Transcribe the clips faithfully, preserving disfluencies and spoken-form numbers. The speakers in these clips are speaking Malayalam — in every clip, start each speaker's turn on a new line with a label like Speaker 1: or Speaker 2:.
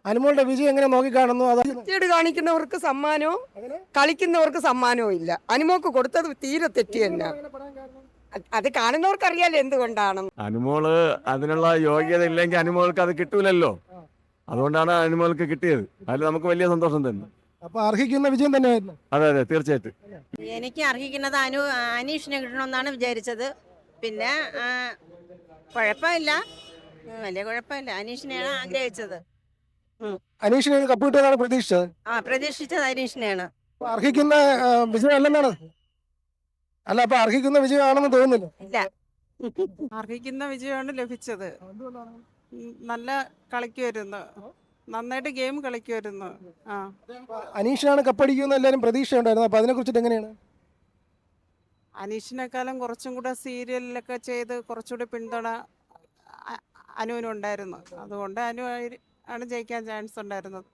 Speaker 1: അനുമോളുടെ വിജയം എങ്ങനെ നോക്കിക്കാണുന്നു? അത്
Speaker 2: വൃത്തികേട് കാണിക്കുന്നവർക്ക് സമ്മാനവും കളിക്കുന്നവർക്ക് സമ്മാനവും ഇല്ല. അനുമോക്ക് കൊടുത്തത് തീരെ തെറ്റി തന്നെ. അത് അത് കാണുന്നവർക്ക് അറിയാലോ എന്തുകൊണ്ടാണ്.
Speaker 3: അനുമോള് അതിനുള്ള യോഗ്യത ഇല്ലെങ്കിൽ അനുമോൾക്ക് അത് കിട്ടൂലല്ലോ. അതുകൊണ്ടാണ് അനുമോൾക്ക് കിട്ടിയത്. അതിൽ നമുക്ക് വലിയ സന്തോഷം തന്നെ.
Speaker 1: അപ്പൊ അർഹിക്കുന്ന വിജയം തന്നെയായിരുന്നു.
Speaker 3: അതെ അതെ തീർച്ചയായിട്ടും.
Speaker 4: എനിക്ക് അർഹിക്കുന്നത് അനു അനീഷിനെ കിട്ടണമെന്നാണ് വിചാരിച്ചത്. പിന്നെ ആ, കുഴപ്പമില്ല, ഉം, വലിയ കുഴപ്പമില്ല. അനീഷിനെയാണ് ആഗ്രഹിച്ചത്.
Speaker 1: അനീഷിന് കപ്പ് കിട്ടുമെന്നാണ് പ്രതീക്ഷിച്ചത്.
Speaker 4: ആ പ്രതീക്ഷിച്ചത് അനീഷിനെയാണ്.
Speaker 1: അപ്പൊ അർഹിക്കുന്ന ആ, വിജയം അല്ലെന്നാണ്. അല്ല, അപ്പൊ അർഹിക്കുന്ന വിജയമാണെന്ന് തോന്നുന്നില്ല.
Speaker 4: ഇല്ല,
Speaker 5: അർഹിക്കുന്ന വിജയമാണ് ലഭിച്ചത്. ഉം, നല്ല കളിക്കുമായിരുന്നു, നന്നായിട്ട് ഗെയിം കളിക്കുമായിരുന്നു. ആ
Speaker 1: അനീഷിനാണ് കപ്പടിക്കുമെന്ന് എല്ലാവരും പ്രതീക്ഷ ഉണ്ടായിരുന്നു. അപ്പൊ അതിനെ കുറിച്ചിട്ട് എങ്ങനെയാണ്?
Speaker 5: അനീഷിനെക്കാളും കുറച്ചും കൂടെ സീരിയലിലൊക്കെ ചെയ്ത് കുറച്ചുകൂടി പിന്തുണ അ- അനുവിനുണ്ടായിരുന്നു. അതുകൊണ്ട് അനു ആയിരി- ആണ് ജയിക്കാൻ ചാൻസ് ഉണ്ടായിരുന്നത്.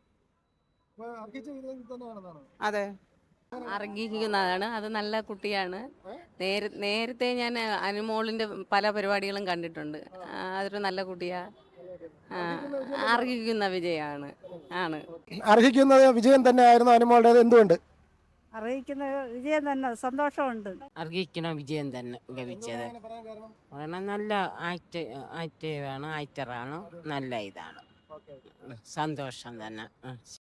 Speaker 5: അതെ,
Speaker 6: അർഹിക്കുന്നതാണ്. അത് നല്ല കുട്ടിയാണ്. നേര നേരത്തെ ഞാൻ അനുമോളിൻ്റെ പല പരിപാടികളും കണ്ടിട്ടുണ്ട്. ആ, അതൊരു നല്ല കുട്ടിയാ. ആ, അർഹിക്കുന്ന വിജയമാണ് ആണ്.
Speaker 1: അർഹിക്കുന്ന വിജയം തന്നെയായിരുന്നു അനുമോളുടേത്. എന്തുകൊണ്ട്?
Speaker 7: അറിയിക്കുന്ന വിജയം തന്നെ, സന്തോഷമുണ്ട്.
Speaker 8: അർഹിക്കുന്ന വിജയം തന്നെ ലഭിച്ചത്. കാരണം നല്ല ആക്ട് ആക്റ്റീവാണ്, ആക്ടറാണ്, നല്ല ഇതാണ്. സന്തോഷം തന്നെ.